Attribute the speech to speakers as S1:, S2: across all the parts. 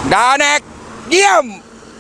S1: ดาแนกเยี่ยม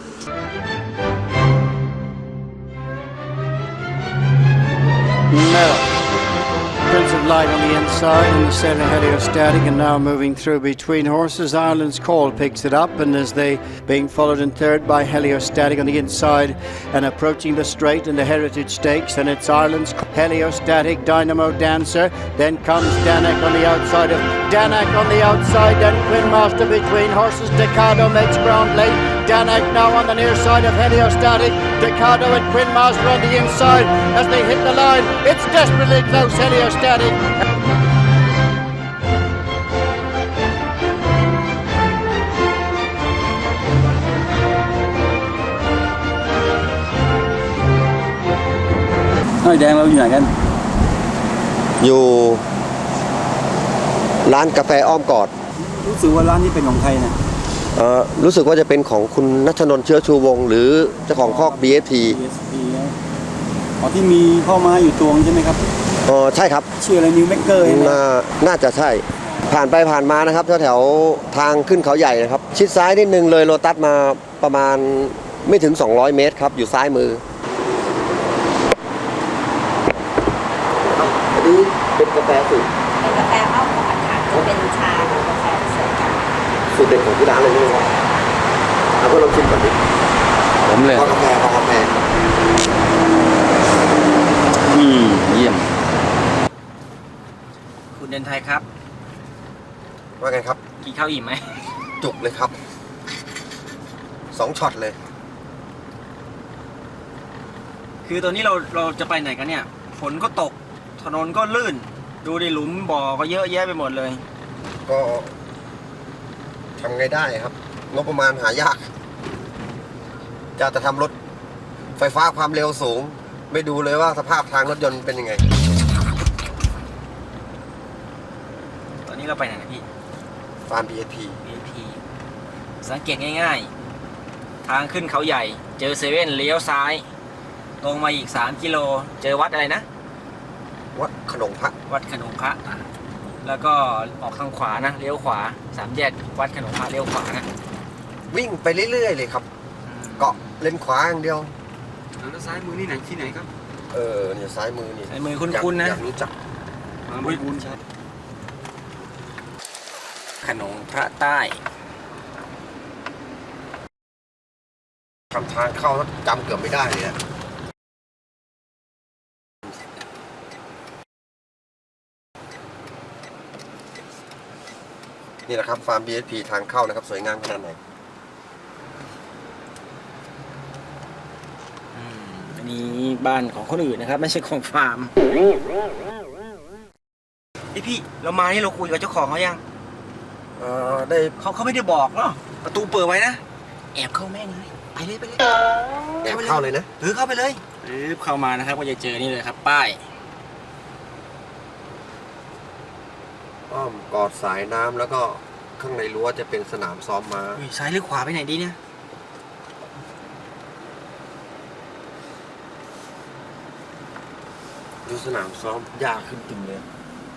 S2: Prince of light on the inside and the center heliostatic and now moving through between horses. Ireland's Call picks it up and as they being followed in third by heliostatic on the inside and approaching the straight in the Heritage Stakes, and it's Ireland's heliostatic Dynamo Dancer. Then comes Danak on the outside of Danak on the outside, then Quinn Master between horses. Decado makes ground late. Danak now on the near side of heliostatic. Decado and Quinn Master on the inside as they hit the line. It's desperately close, heliostatic.
S3: น้อยแดงเราอยู่ไหนกัน
S4: อยู่ร้านกาแฟอ้อมกอด
S3: รู้สึกว่าร้านนี้เป็นของใครนะ
S4: รู้สึกว่าจะเป็นของคุณณัฐนนท์เชื้อชูวงศ์หรือเจ้าของคอก BST
S3: ที่มีพ่อม้าอยู่ตัวใช่ไหมครับ
S4: ใช่ครับ
S3: ชื่ออะไรนิวเมกเกอร์
S4: น่าจะใช่ผ่านไปผ่านมานะครับแถวทางขึ้นเขาใหญ่นะครับชิดซ้ายนิดนึงเลยโลตัสมาประมาณไม่ถึง200เมตรครับอยู่ซ้ายมืออันนี้เป็นกาแฟสูตร
S5: เป็นกาแฟอ้อมกอดค่ะจะเป็นชากับกาแฟผสมกัน
S4: สูตรเด็ดของที่ร้านเลยใช่ไหมครับเอาเพื่อลองชิมก่อนดิ
S1: ผมเลย
S4: กาแฟ
S1: เยี่ยม
S6: คุณเดินไทยครับ
S4: ว่าไงครับ
S6: กินข้าวอิ่มไหม
S4: จุกเลยครับ2ช็อตเลย
S6: คือตอนนี้เราจะไปไหนกันเนี่ยฝนก็ตกถนนก็ลื่นดูดิหลุมบ่อก็เยอะแยะไปหมดเลย
S4: ก็ทำไงได้ครับงบประมาณหายากจะทำรถไฟฟ้าความเร็วสูงไม่ดูเลยว่าสภาพทางรถยนต์เป็นยังไง
S6: ตอนนี้เราไปไหนนะพี่
S4: ฟาร์ม BST
S6: สังเกตง่ายๆทางขึ้นเขาใหญ่เจอเซเว่นเลี้ยวซ้ายตรงมาอีก3กิโลเจอวัดอะไรนะ
S4: วัดขนงพระ
S6: แล้วก็ออกทางขวานะเลี้ยวขวา3แยกวัดขนงพระเลี้ยวขวานะ
S4: วิ่งไปเรื่อยๆเลยครับเกาะเลนขวาอย่างเดียว
S6: แล้วซ้ายมือนี่ไหนที่ไหนครับ
S4: เนี่ยซ้ายมือนี่
S6: ซ้ายมือคุ้นๆนะ
S4: อยากรู้จัก
S6: คุ้นชัดขนงพระใต้
S4: ทำทางเข้าแล้วจำเกือบไม่ได้เลยนี่แหละครับฟาร์ม BST ทางเข้านะครับสวยงามขนาดไหน
S6: อันนี้บ้านของคนอื่นนะครับไม่ใช่ของฟาร์มพี่เรามานี่เราคุยกับเจ้าของเขายัง
S4: ได้
S6: เขาไม่ได้บอกเนาะประตูเปิดไว้นะแอบเข้าแม่งเลยไปเลย
S4: แอบเข้าเลยนะ
S6: เข้าไปเลยเข้ามานะครับก็จะเจอนี่เลยครับป้าย
S4: อ้อมกอดสายน้ำแล้วก็ข้างในรั้วจะเป็นสนามซ้อมม้า
S6: ซ้ายหรือขวาไปไหนดีเนี่ย
S4: ดูสนามซ้อมยากขึ้นจริงเลย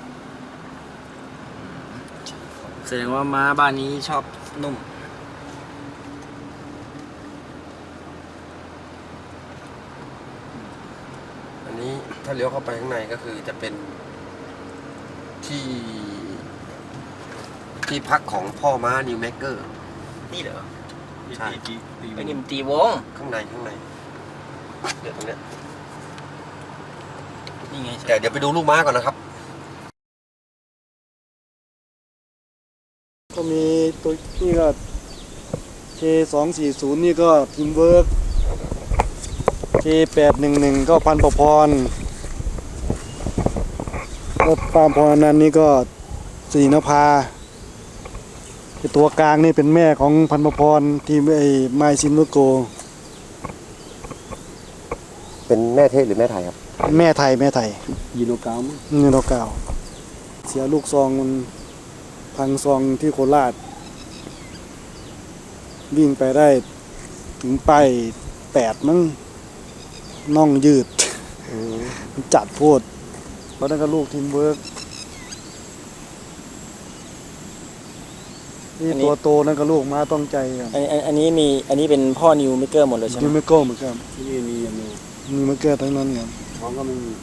S6: แสดงว่าม้าบ้านนี้ชอบนุ่ม
S4: อันนี้ถ้าเลี้ยวเข้าไปข้างในก็คือจะเป็นที่พักของพ่อม้านิวเมกเกอร์
S6: นี่เหรอ
S4: ใช่
S6: ไปนิมตีวง
S4: ข้างในเดี๋ยวตรงเนี้ย
S6: นี่ไง
S4: แต่เดี๋ยวไปดูลูกม้าก่อนนะครับ
S2: ก็มีตัวนี่ก็ K240 นี่ก็ทีมเวิร์ก K811 ก็พันประพรแล้วตามพรนั้นนี่ก็ศรีนภาตัวกลางนี่เป็นแม่ของพันประพรทีมไมซินโนโก
S4: เป็นแม่เทศหรือแม่ไทยครับ
S2: แม่ไทย
S3: ยีโนกาว
S2: เสียลูกซองมันพังซองที่โคราชวิ่งไปได้ถึงไป8มั้งน่องยืดจัดโพดเพราะนั่นก็ลูกทีมเวิร์ก
S3: นี่ตัวโตนั่นก็ลูกม้าต้องใจครับ
S6: อันนี้เป็นพ่อนิวเมเกอร์หมดเลยใช่ไหม
S3: ยูเมโก้เหมือนกัน
S4: ที่นี่มีอย่างนี้
S3: มีมาเกิดทั้งนั้นครับ
S4: ท้องก็ไม่มี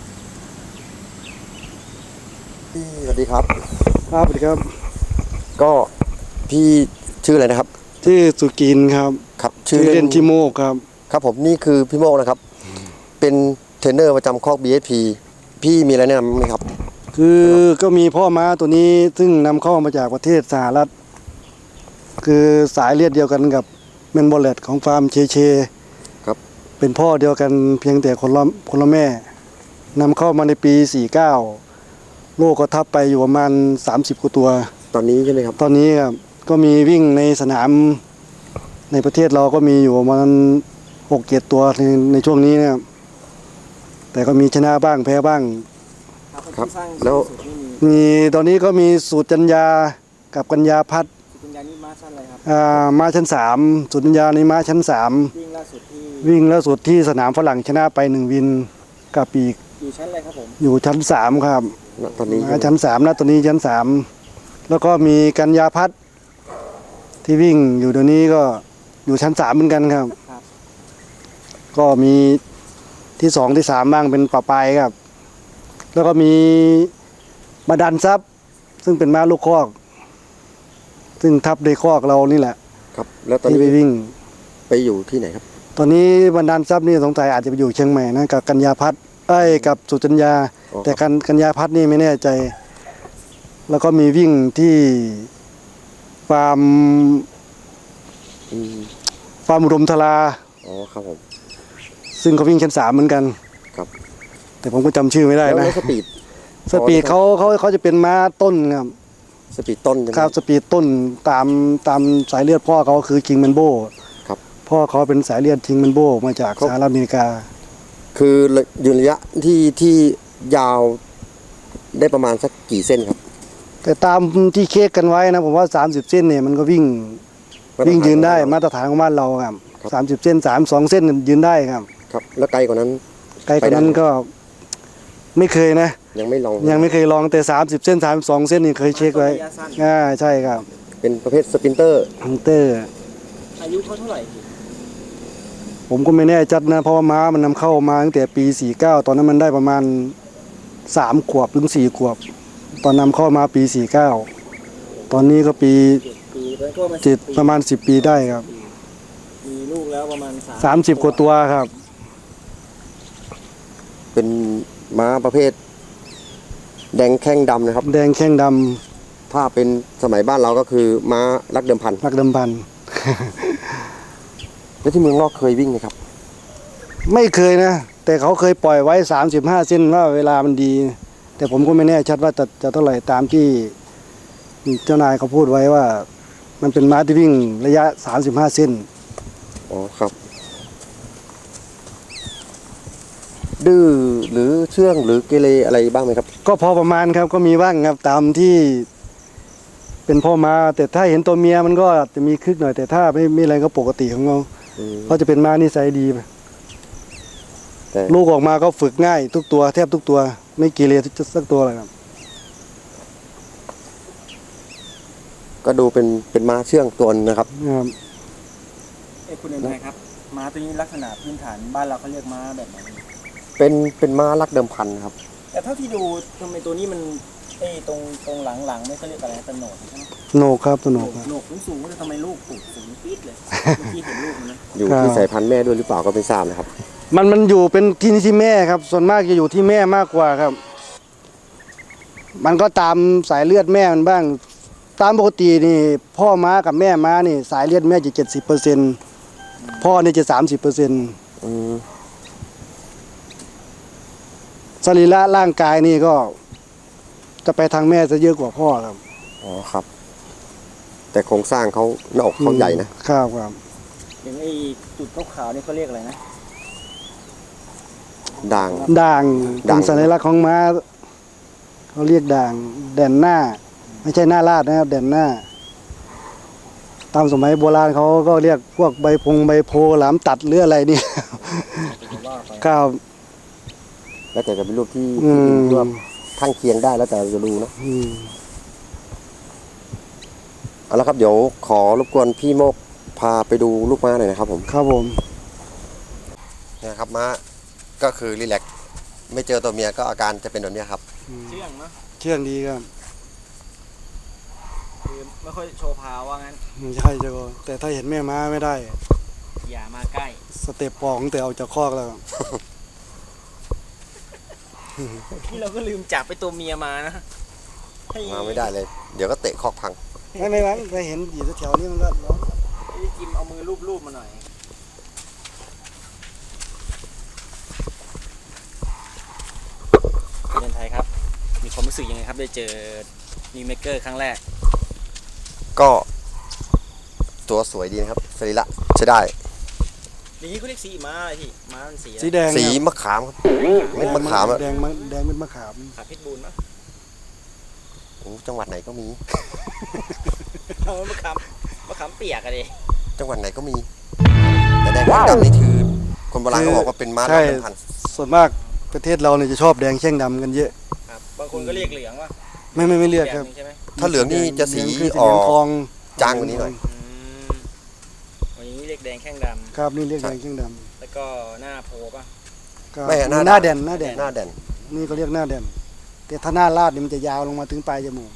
S4: สวัสดีครับ
S3: ครับสวัสดีครับ
S4: ก็พี่ชื่ออะไรนะครับ
S3: ที่สุกินครับ
S4: ครับ
S3: ชื่อเล่นที่โมกครับ
S4: ครับผมนี่คือพี่โมกนะครับ เป็นเทรนเนอร์ประจำคอก BSP พี่มีอะไรแนะนำไหมครับ
S3: คือก็มีพ่อม้าตัวนี้ซึ่งนำเข้ามาจากประเทศสหรัฐ คือสายเลือดเดียวกันกับเมนบอลเลตของฟาร์มเช
S4: ครับ
S3: เป็นพ่อเดียวกันเพียงแต่คนละแม่นำเข้ามาในปี 49 โลกก็ทับไปอยู่ประมาณ 30 กว่าตัว
S4: ตอนนี้ใช่ไหมครับ
S3: ตอนนี้ครับก็มีวิ่งในสนามในประเทศเราก็มีอยู่ประมาณ6-7 ตัวในช่วงนี้นะครับแต่ก็มีชนะบ้างแพ้บ้าง
S4: ครับแล้ว
S3: มีตอนนี้ก็มีสูตรจัญญากับกัญญาพัฒน์
S6: คุณยานี่มาชั้นอะไรครับ
S3: ม้าชั้น 3สูตรจัญญาในม้าชั้น
S6: วิ่งล่าสุดที่
S3: 3 วิ่งแล้วสุดที่สนามฝรั่งชนะไป1วินกับปีก
S6: อยู่ชั้นอะไรครับผม
S3: อยู่ชั้น 3 ครับ
S4: ตอนนี้
S3: ม้าชั้น 3นะตัวนี้ชั้น 3 แล้วก็มีกัญญาพัฒน์ที่วิ่งอยู่เดี๋ยวนี้ก็อยู่ชั้น 3เหมือนกันครับ ก็มีที่ 2 ที่ 3 บ้างเป็นป่าปลายครับ แล้วก็มีบาดันซับซึ่งเป็นม้าลูกคอก ซึ่งทับในคอกเรานี่แหละ
S4: ครับ แล้วตอน
S3: ที่
S4: นี้
S3: ไปวิ่ง
S4: ไปอยู่ที่ไหนครับ
S3: ตอนนี้บรรดาลทรัพย์นี่สงสัยอาจจะไปอยู่เชียงใหม่นะกับกัญญาพัฒน์กับสุจัญญา
S4: อ๋อ
S3: แต่กัญญาพัฒน์นี่ไม่แน่ใจ แล้วก็มีวิ่งที่ฟาร์ม
S4: อืม
S3: อุดมทรา
S4: อ๋อครับผม
S3: ซึ่งเขาวิ่งชั้น 3เหมือนกัน
S4: ครับ
S3: แต่ผมก็จำชื่อไม่ได้
S4: แล้ว
S3: นะ
S4: สปีด
S3: สปีดเขาจะเป็นม้าต้นครับ
S4: สปีดต้นใช่ไหม
S3: ครับสปีดต้นตามสายเลือดพ่อเขาคือคิงแมนโบ
S4: ครับ
S3: พ่อเขาเป็นสายเลือดคิงแมนโบมาจาก
S4: ครับ
S3: สหรัฐอเมริกา
S4: คือยืนระยะที่ยาวได้ประมาณสักกี่เส้นครับ
S3: แต่ตามที่เค้กกันไว้นะผมว่า30 เส้นเนี่ยมันก็วิ่งยืนได้มาตรฐานของบ้านเราครับ
S4: ครับ
S3: 30 เส้น2 เส้นยืนได้ครับ
S4: ครับ แล้วไกลกว่านั้น
S3: ไกลกว่านั้นก็ไม่เคยนะ
S4: ยังไม่ลอง
S3: ยังไม่เคยลองแต่30 เส้น32 เส้นนี่เคยเช็คไว้ใช่ครับ
S4: เป็นประเภทสปรินเตอร์
S3: ฮังเตอร์
S6: อายุเขาเท่าไหร่
S3: ผมก็ไม่แน่จัดนะเพราะว่าม้ามันนำเข้ามาตั้งแต่ปี 49 ตอนนั้นมันได้ประมาณ3 ขวบถึง 4 ขวบ ตอนนำเข้ามาปี 49 ตอนนี้ก็ปี
S6: ปีแล้วก็มา
S3: 7ประมาณ10 ปีได้ครับ
S6: มีลูกแล้วประมาณ
S3: 30 กว่าตัวครับ
S4: เป็นม้าประเภท แดงแข้งดำนะครับ
S3: แดงแข้งด
S4: ถ้าเป็นสมัยบ้านเราก็คือม้ารักเดิมพัน
S3: ำรักเดิมพัน
S4: แล้วที่เมืองนอกเคยวิ่งไหมครับ
S3: ไม่เคยนะ แต่เขาเคยปล่อยไว้35 เส้นว่าเวลามันดี แต่ผมก็ไม่แน่ชัดว่าจะเท่าไหร่ตามที่เจ้านายเขาพูดไว้ว่า มันเป็นม้าที่วิ่งระยะ35 เส้น
S4: อ๋อครับ ดื้อหรือเชื่องหรือเกเรอะไรบ้างไหมครับ
S3: ก็พอประมาณครับก็มีบ้างครับตามที่เป็นพ่อม้าแต่ถ้าเห็นตัวเมียมันก็จะมีคึกหน่อยแต่ถ้าไม่อะไรก็ปกติของเขา
S4: อืม
S3: เขาจะเป็นม้านิสัยดี
S4: แต่
S3: ลูกออกมาก็ฝึกง่ายทุกตัวแทบทุกตัว ไม่เกเรสักตัวเลยครับ
S4: ก็ดูเป็นม้าเชื่องตัวนึงนะครับ
S3: ครับ
S6: คุณเอ็มไครับม้าตัวนี้ลักษณะพื้นฐานบ้านเราเขาเรียกม้าแบบไหน
S4: เป็นม้ารักเดิมพันครับ
S6: แต่เท่าที่ดูทำไมตัวนี้มันตรงหลังไม่เขาเรียกอะไรเป็นโหนกใช่ไหม
S3: โหนกครับตัวโหนกครับ
S6: โหนกสูงๆแต่ทำไมลูกปูดสูงปี๊ดเลยเมื่อกี้เห็นลูกมันนะ
S4: อยู่ที่สายพันธุ์แม่ด้วยหรือเปล่าก็ไม่ทราบนะครับ
S3: มันอยู่เป็นที่แม่ครับ ส่วนมากจะอยู่ที่แม่มากกว่าครับ มันก็ตามสายเลือดแม่มันบ้าง ตามปกตินี่พ่อม้ากับแม่ม้านี่สายเลือดแม่จะ70%พ่อนี่จะ30%
S4: อืม
S3: สรีระร่างกายนี่ก็จะไปทางแม่จะเยอะกว่าพ่อครับ
S4: อ๋อครับ แต่โครงสร้างเขาหน้าอกเขาใหญ่นะ
S3: ครับ
S6: อย่างไอ้จุดขาวๆนี่เขาเรียกอะไรนะ
S4: ด่าง
S3: ด่าง
S4: ด่าง
S3: เป็นสัญลักษณ์ของม้าเขาเรียกด่างแด่นหน้า ไม่ใช่หน้าลาดนะครับแด่นหน้า ตามสมัยโบราณเขาก็เรียกพวกใบโพหลามตัดหรืออะไรนี่ ครับ
S4: แล้วแต่จะเป็นรูปที่
S3: อืม
S4: ที่ว่าข้างเคียงได้แล้วแต่จะดูนะ
S3: อืม
S4: เอาละครับเดี๋ยวขอรบกวนพี่โมกพาไปดูลูกม้าหน่อยนะครับผม
S3: ครับผม
S4: นะครับม้าก็คือรีแลกซ์ไม่เจอตัวเมียก็อาการจะเป็นแบบนี้ครับ
S6: เชื่องเนาะ
S3: เชื่องดีครับ
S6: คือไม่ค่อยโชว์พาวว่างั้น
S3: ไม่ใช่เจ้าก็แต่ถ้าเห็นแม่ม้าไม่ได้
S6: อย่ามาใกล้
S3: สเต็ปปอกตั้งแต่ออกจากคอกแล้ว
S6: ที่เราก็ลืมจับไปตัวเมียมานะให้
S4: มาไม่ได้เลย เดี๋ยวก็เตะคอกพัง
S3: ไม่ไปเห็นอยู่แถวๆนี้มันก็ร้อง
S6: พี่จิมเอามือลูบๆมาหน่อยเรียนไทยครับ มีความรู้สึกยังไงครับได้เจอนิวเมเกอร์ครั้งแรก
S4: ก็ตัวสวยดีนะครับสรีระใช้ได้
S6: อย่างนี้เขาเรียกสีม้าอะไรพี่ม้ามันสีอะไร
S3: สีแดง
S4: สี
S3: ครับ
S4: มะขามครับเม็ดมะขามอะ
S3: แดงเป็นมะขาม
S6: ขาพิษบูลปะ
S4: โอ้จังหวัดไหนก็มี
S6: เอามะขามเปียกอะดิ
S4: จังหวัดไหนก็มี แต่แดงแข้งดำนี่คือคนโบราณก็บอกว่าเป็นม้า
S3: ใช่
S4: ดำเป็นพันธุ์
S3: ส่วนมากประเทศเราเนี่ยจะชอบแดงแข้งดำกันเยอะ
S6: ครับบางคนก็เรียกเหลืองว่า
S3: ไม่เรียกครับ
S6: ใช่ไหม
S4: ถ้าเหลืองนี่จะสี
S3: เหลืงคือ
S4: ออก
S3: ทอง
S4: จางกว่านี้หน่อย
S6: วันนี้เรียกแดงแข้งด
S3: ครับนี่เรียกแดงแข้งด
S6: ำแล้วก็หน้าโพป่ะ
S3: ำก็
S4: ไม่หน้า
S3: หน้าแดน
S4: หน้าแดน
S3: นี่ก็เรียกหน้าแดนแต่ถ้าหน้าลาดนี่มันจะยาวลงมาถึงปลายจมูก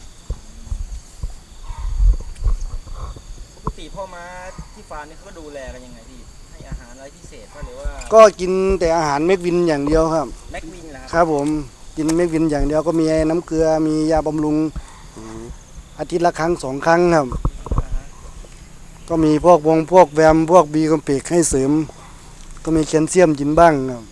S6: ปกติพ่อม้าที่ฟาร์มนี่เขาก็ดูแลกันยังไงพี่ให้อาหารอะไรพิเศษป่ะหรือว่า
S3: ก็กินแต่อาหารเม็กวินอย่างเดียวครับ
S6: แม็กวินเหรอ
S3: ค
S6: ครับ
S3: รับผมกินเม็กวินอย่างเดียวก็มีน้ำเกลือมียาบำรุงอาทิตย์ละครั้ง2 ครั้งครับ ก็มีพวกแวมพวกบีคอมเพล็กซ์ให้เสริม ก็มีแคลเซียมกินบ้างครับ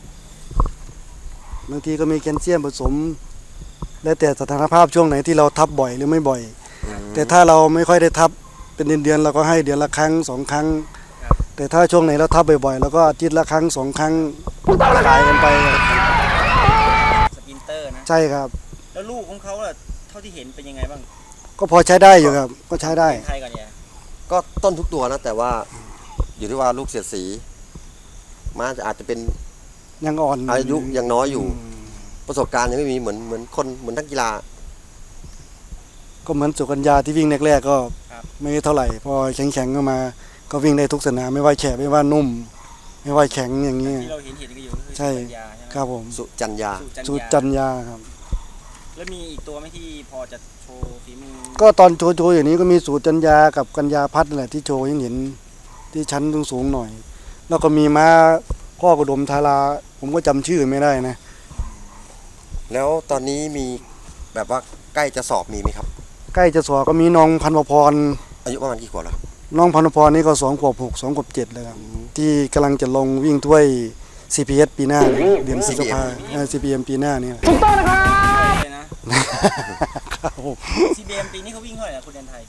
S3: บางทีก็มีแคลเซียมผสม แล้วแต่สถานภาพช่วงไหนที่เราทับบ่อยหรือไม่บ่อย แต่ถ้าเราไม่ค่อยได้ทับเป็นเดือนๆเราก็ให้เดือนละครั้ง2 ครั้ง แต่ถ้าช่วงไหนเราทับบ่อยๆเราก็อาทิตย์ละครั้ง2 ครั้งขายกันไป
S6: สปรินเตอร์นะ
S3: ใช่ครับ
S6: แล้วลูกของเขาล่ะเท่าที่เห็นเป็นยังไงบ้าง
S3: ก็พอใช้ได้อยู่ครับ ก็ใช้ได้
S6: ไทยก่อนเนี่ย
S4: ก็ต้นทุกตัวนะ แต่ว่าอยู่ที่ว่าลูกเสียดสีม้าจะอาจจะเป็น
S3: ยังอ่อน
S4: อายุยังน้อยอยู่ ประสบการณ์ยังไม่มีเหมือนคนเหมือนนักกีฬา
S3: ก็เหมือนสุกัญญาที่วิ่งแรกๆก็ไม่เท่าไหร่ พอแข็งๆก็มา ก็วิ่งได้ทุกสนามไม่ว่าแฉะไม่ว่านุ่ม ไม่ว่าแข็งอย่างนี้
S6: ที่เราเห็นกันอยู่ก็คือ
S3: ใช่
S6: สุกัญญาใช่ไหม
S3: ครับผม
S4: สุจัญญา
S3: สุจัญญาครับ
S6: แล้วมีอีกตัวไหมที่พอจะโชว์ฝีมือ
S3: ก็ตอนโชว์อย่างนี้ก็มีสูตรจัญญากับกัญญาพัฒน์นั่นแหละที่โชว์ยังเห็นที่ชั้นสูงๆหน่อย แล้วก็มีม้าพ่อกระดมทาราผมก็จำชื่อไม่ได้นะ
S4: แล้วตอนนี้มีแบบว่าใกล้จะสอบมีไหมครับ
S3: ใกล้จะสอบก็มีน้องพันวพร
S4: อายุประมาณกี่ขวบแล้วครับ
S3: น้องพันวพรนี่ก็2 ขวบ 6 2 ขวบ 7เลยครับที่กำลังจะลงวิ่งถ้วย CPS ปีหน้าเนี่ยเดือนพฤษภาCPM ปีหน้านี่
S6: เลยนะ
S3: ครับผม
S6: CBM ปีนี้เขาวิ่งเท่าไหร่นะคุณเดนไทย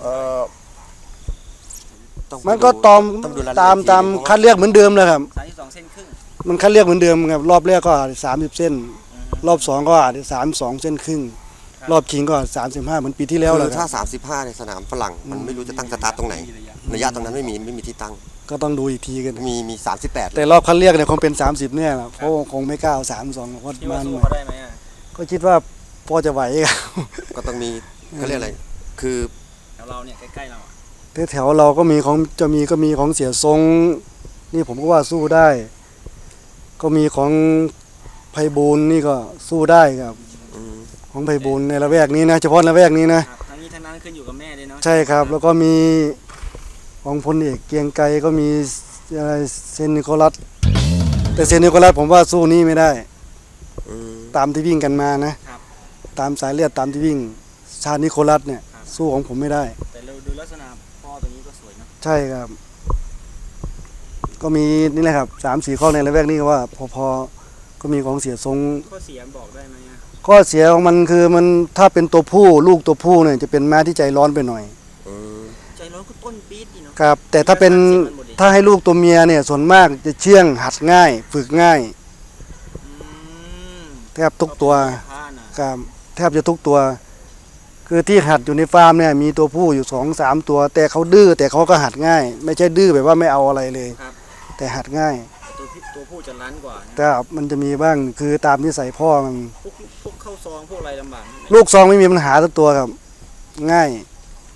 S4: ต้องไป
S3: มันก็
S4: ดูต้องดูรายละเอียด
S3: ตามคัดเลือกเหมือนเดิมเลยครับ
S6: 32 เส้นครึ่ง
S3: มันคัดเลือกเหมือนเดิมครับรอบแรกก็30 เส้น รอบ2ก็32 เส้นครึ่ง รอบชิงก็35เหมือนปีที่แล้วแห
S4: คื
S3: ละ
S4: อ
S3: ค
S4: ถ้า
S3: รับ
S4: 35ในสนามฝรั่งมันไม่รู้จะตั้งสตาร์ทตรงไหนระยะตรงนั้นไม่มีที่ตั้ง
S3: ก็ต้องดูอีกทีกัน
S4: มี38
S3: แต่รอบคัดเลือกเนี่ยคงเป็น30เนี่ยแหละเพราะคงไม่กล้าเอา32เพราะ
S6: ที่
S3: มั
S6: ว่าน สู้เขาได้ไหมอ่ะ
S3: ก็คิดว่าพอจะไหวครับ
S4: ก็ต้องมีเขาเรียกอะไร คือ
S6: แถวเราเนี่ยใกล้ๆเราอะ
S3: แถวเราก็มีของก็มีของเสียทรง นี่ผมก็ว่าสู้ได้ ก็มีของไพบูลย์นี่ก็สู้ได้ครับ ของไพบูลย์ในละแวกนี้นะเฉพาะละแวกนี้นะครับ
S6: ทั้งนี้ทั้งนั้นขึ้นอยู่กับแม่ด้วยเนาะ
S3: ใช่ครับ แล้วก็มีของพลเอกเกรียงไกรก็มีอะไรเซนนิโคลัสแต่เซนนิโคลัสผมว่าสู้นี่ไม่ได้ ตามที่วิ่งกันมานะ
S6: ครับ
S3: ตามสายเลือดตามที่วิ่งชาตินิโคลัสเนี่ย สู้ของผมไม่ได้
S6: แต่เราดูลักษณะพ่อตัวนี้ก็สวยเนาะ
S3: ใช่ครับ ก็มีนี่แหละครับ3-4 ข้อในละแวกนี้ก็ว่าพอก็มีของเสียทรง
S6: ข้อเสียบอกได้ไหมอ่ะ
S3: ข้อเสียของมันคือมันถ้าเป็นตัวผู้ลูกตัวผู้เนี่ยจะเป็นม้าที่ใจร้อนไปหน่อย
S6: ใจร้อนก็ต้นปี๊ดดีเนาะ
S3: ครับ แต่ถ้าเป็นถ้าให้ลูกตัวเมียเนี่ยส่วนมากจะเชื่องหัดง่าย ฝึกง่าย
S6: อืม
S3: แทบทุกตัว
S6: ผ้าน่ะ
S3: ครับแทบจะทุกตัว คือที่หัดอยู่ในฟาร์มเนี่ยมีตัวผู้อยู่2-3 ตัว แต่เขาดื้อแต่เขาก็หัดง่าย ไม่ใช่ดื้อแบบว่าไม่เอาอะไรเลย
S6: ครับ
S3: แต่หัดง่าย
S6: ตัวผู้จะรั้นกว่านะ
S3: แต่มันจะมีบ้างคือตามนิสัยพ่อมัน
S6: พวกเข้าซองพวกอะไรลำบากไหม
S3: ลูกซองไม่มีปัญหาสักตัวครับ ง่าย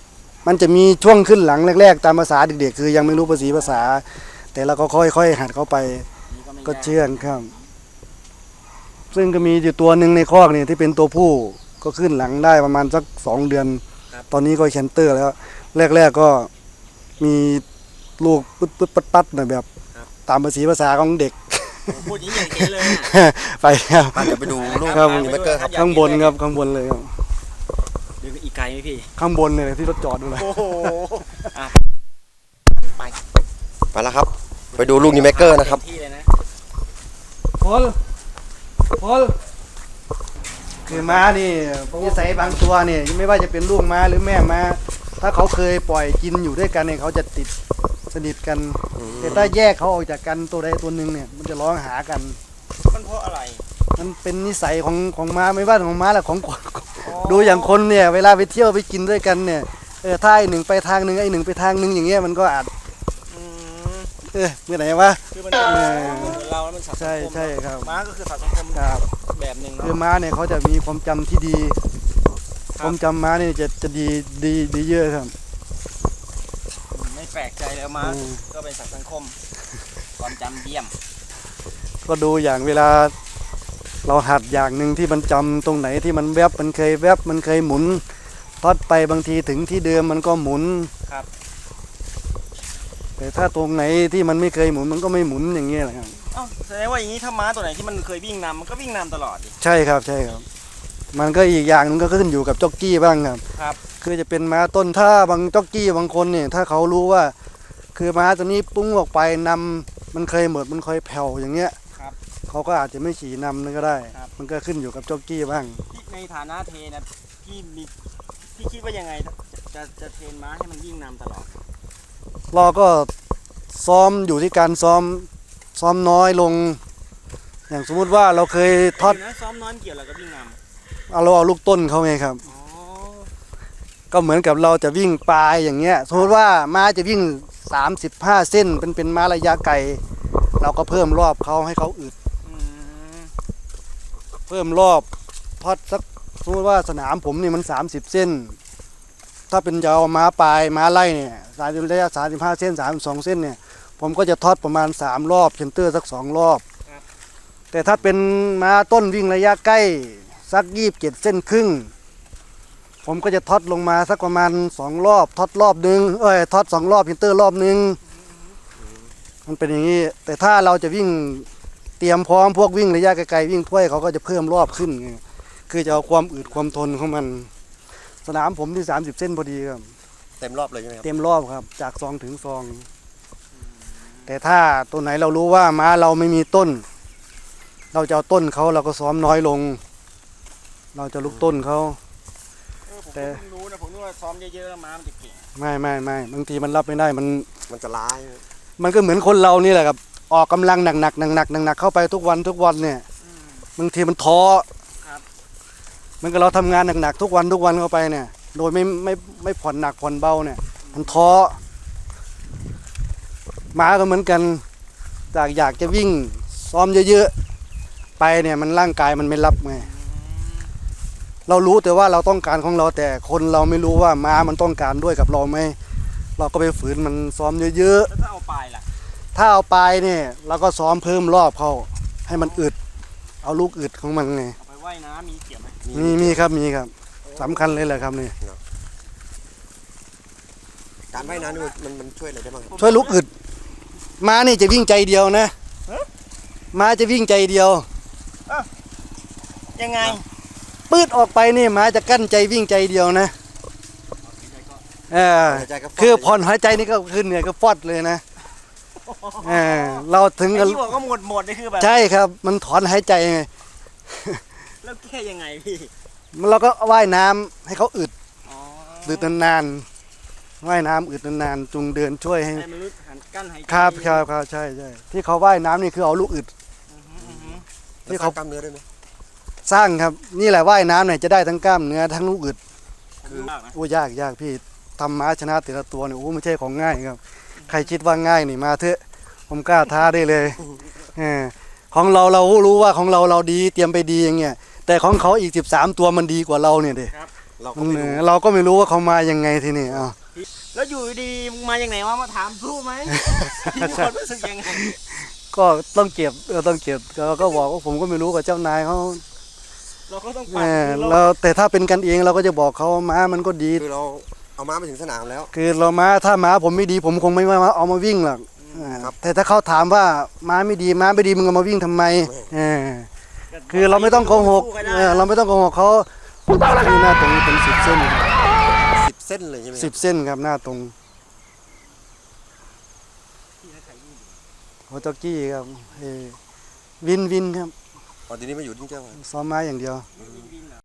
S3: มันจะมีช่วงขึ้นหลังแรกๆตามภาษาเด็กๆคือยังไม่รู้ภาษา แต่เราก็ค่อยๆหัดเข้าไปก็เชื่องครับ ซึ่งก็มีอยู่ตัวหนึ่งในคอกนี่ที่เป็นตัวผู้ก็ขึ้นหลังได้ประมาณสัก2 เดือน ตอนนี้ก็แคนเตอร์แล้วแรกๆก็มีลูกปึ๊ดปัดๆหน่อยแบบตามภาษาของเด็ก
S6: พูดอย่างนี้อย่างเห็นเลย
S3: ไปครับ
S4: มาเดี๋ยวไปดูลูก
S3: ครับ
S4: นี่แม็กเกอร์ครับ
S3: ข้างบนครับข้างบนเลยครับ
S6: เดี๋ยวอีกไกลไหมพี่
S3: ข้างบนเลยที่รถจอดดูเลย
S6: โอ้โห
S4: ไปแล้วครับ ไปดูลูกนี่แม็กเกอร์นะครับ
S6: ที่เลยนะ
S3: พลคือม้านี่นิสัยบางตัวเนี่ยไม่ว่าจะเป็นลูกม้าหรือแม่ม้าถ้าเขาเคยปล่อยกินอยู่ด้วยกันเนี่ยเขาจะติดสนิทกันแต่ถ้าแยกเขาออกจากกันตัวใดตัวหนึ่งเนี่ยมันจะร้องหากัน
S6: มันเพราะอะไร
S3: มันเป็นนิสัยของม้าไม่ว่าของม้าหรือของคนดูอย่างคนเนี่ยเวลาไปเที่ยวไปกินด้วยกันเนี่ยถ้าไอ้หนึ่งไปทางหนึ่งไอ้หนึ่งไปทางหนึ่งอย่างเงี้ยมันก็อาจเมื่อไหร่วะ
S6: คือมันเหมือนเราแล้วมันสัตว์สังคม
S3: ใช่ครับ
S6: ม้าก็คือสัตว์สังคม
S3: ครับ
S6: แบบหนึ่ง
S3: คือ
S6: เนาะ
S3: ม้าเนี่ยเขาจะมีความจำที่ดี ความจำม้าเนี่ยจะดีเยอะครับ
S6: ไม่แปลกใจแล้วม้าก็เป็นสัตว์สังคมความจำเยี่ยม
S3: ก็ดูอย่างเวลาเราหัดอย่างหนึ่งที่มันจำตรงไหนที่มันแวบมันเคยแวบมันเคยหมุนทอดไปบางทีถึงที่เดิมมันก็หมุน
S6: ครับ
S3: แต่ถ้าตรงไหนที่มันไม่เคยหมุนมันก็ไม่หมุนอย่างเงี้ยแหละครับ
S6: อ้าวแสดงว่าอย่างนี้ถ้าม้าตัวไหนที่มันเคยวิ่งนำมันก็วิ่งนำตลอดดิ
S3: ใช่ครับมันก็อีกอย่างหนึงก็ขึ้นอยู่กับจ็อกกี้บ้างครับ
S6: ครับ
S3: คือจะเป็นม้าต้นถ้าบางจ็อกกี้บางคนเนี่ยถ้าเขารู้ว่า คือม้าตัวนี้ปุ้งออกไปนำมันเคยหมดมันเคยแผ่วอย่างเงี้ย
S6: ครับ
S3: เขาก็อาจจะไม่ขี่นำนั่นก็ได้
S6: ครับ
S3: มันก็ขึ้นอยู่กับจ็อกกี้บ้าง
S6: ที่ในฐานะเทรนนะพี่คิดว่ายังไงจะเทรนม้าให้มันวิ่งนำตลอด
S3: เราก็ซ้อมอยู่ที่การซ้อมน้อยลง อย่างสมมุติว่าเราเคยทอด
S6: เดี๋ยวนะซ้อมน้อยเกี่ยวอะไรกับวิ่งน
S3: เราเอาลูกต้นเขาไงครับ
S6: ำอ๋อ
S3: ก็เหมือนกับเราจะวิ่งปลายอย่างเงี้ยสมมติว่าม้าจะวิ่ง35 เส้นเป็นม้าระยะไกลเราก็เพิ่มรอบเขาให้เขาอึด
S6: อืม
S3: เพิ่มรอบทอดสักสมมติว่าสนามผมนี่มัน30 เส้น ถ้าเป็นยาวม้าปลายม้าไล่เนี่ยระยะ35 เส้น32 เส้นเนี่ยผมก็จะทอดประมาณ3 รอบเชนเตอร์สัก2 รอบ แต่ถ้าเป็นม้าต้นวิ่งระยะใกล้สัก27 เส้นครึ่งผมก็จะทอดลงมาสักประมาณ2 รอบทอดรอบนึงทอด2 รอบเชนเตอร์รอบนึงมันเป็นอย่างนี้แต่ถ้าเราจะวิ่งเตรียมพร้อมพวกวิ่งระยะไกลๆวิ่งถ้วยเขาก็จะเพิ่มรอบขึ้นไงคือจะเอาความอึดความทนของมันสนามผมที่30 เส้นพอดีครับ
S4: เต็มรอบเลยใช่ไหมครับ
S3: เต็มรอบครับจากซองถึงซองแต่ถ้าตัวไหนเรารู้ว่าม้าเราไม่มีต้น เราจะเอาต้นเขาเราก็ซ้อมน้อยลง เราจะลุกต้นเขา
S6: ผม
S3: แต่
S6: เพิ่งรู้นะผมนึกว่าซ้อมเยอะๆแล้วม้ามันจะเก่ง
S3: ไม่บางทีมันรับไม่ได้มัน
S4: มันจะร้าย
S3: มันก็เหมือนคนเรานี่แหละครับออกกำลังหนักเข้าไปทุกวันเนี่ยบางทีมันท้อมันก็เราทำงานหนักๆทุกวันเข้าไปเนี่ยโดยไม่ผ่อนหนักผ่อนเบาเนี่ยมันท้อม้าก็เหมือนกันอยากจะวิ่งซ้อมเยอะๆไปเนี่ยมันร่างกายมันไม่รับไงเรารู้แต่ว่าเราต้องการของเราแต่คนเราไม่รู้ว่าม้ามันต้องการด้วยกับเราไหมเราก็ไปฝืนมันซ้อมเยอะ
S6: แล้วถ้าเอาปลายล่ะ
S3: ๆถ้าเอาไปเนี่ยเราก็ซ้อมเพิ่มรอบเขาให้มันอึดเอาลูกอึดของมันไง
S6: เอาไปว่ายน้ำมีเกี่ยวไหม
S3: มีครับสำคัญเลยแหละครับนี่
S4: การว่ายน้ำนี่มันช่วยอะไรได้บ้างครับ
S3: ช่วยลูกอึดม้านี่จะวิ่งใจเดียวนะม้าจะวิ่งใจเดียว
S6: ยังไง
S3: ปืดออกไปนี่ม้าจะกั้นใจวิ่งใจเดียวนะ
S4: หายใจก็ฟาด
S3: คือผ่อนหายใจนี่ก็ขึ้นเนี่ยก็ฟอดเลยนะเราถึง
S6: ไอ้
S3: กัน
S6: ที่บอกก็หมดนี่คือแบบ
S3: ใช่ครับ มันถอนหายใจไง
S6: แล้วแก้ยังไงพี่
S3: เราก็ว่ายน้ำให้เขาอึด
S6: อ๋อ
S3: อึดนานๆว่ายน้ำอึดนานๆจุงเดินช่วยให้
S6: ให้มันรู้หันกั้นหายใจ
S3: ครับใช่ที่เขาว่ายน้ำนี่คือเอาลูกอึด
S4: ที่เขากล้ามเนื้อด้วยไหม
S3: สร้างครับนี่แหละว่ายน้ำเนี่ยจะได้ทั้งกล้ามเนื้อทั้งลูกอึด
S6: คือมากนะ
S3: โอ้ยากพี่ทำม้าชนะแต่ละตัวเนี่ยโอ้ไม่ใช่ของง่ายครับ ใครคิดว่าง่ายนี่มาเถอะผมกล้าท้าได้เลยของเรารู้ว่าของเราดีเตรียมไปดีอย่างเงี้ยแต่ของเขาอีก13 ตัวมันดีกว่าเราเนี่ยเด็
S4: เราก็ไม่รู้
S3: เราก็ไม่รู้ว่าเขามายังไงทีนี่
S6: แล้วอยู่ดีๆมึงมาอย่างไหนวะมาถามสู้ไหมมีความรู้สึกยังไง
S3: ก็ต้องเก็บต้องเก็บก็บอกว่าผมก็ไม่รู้กับเจ้านายเขา
S6: เราก็ต้อง
S3: เออเราแต่ถ้าเป็นกันเองเราก็จะบอกเขาม้ามันก็ดี
S4: คือเราเอาม้ามาถึงสนามแล้ว
S3: คือเราม้าถ้าม้าผมไม่ดีผมคงไม่มาเอามาวิ่งหรอก
S4: ครับ
S3: แต่ถ้าเขาถามว่าม้าไม่ดีมึงเอามาวิ่งทำไมคือเราไม่ต้องโกหกเราไม่ต้องโกหกเขาที่หน้าตรงเป็น10 เส้น
S4: 10 เส้นเลยใช่ไหม
S3: 10 เส้นครับหน้าตรงโฮจ็อกกี้ครับวินครับ
S4: ตอนนี้มาอยู่ที่เจ้า
S3: ซ้อมม้าอย่างเดียว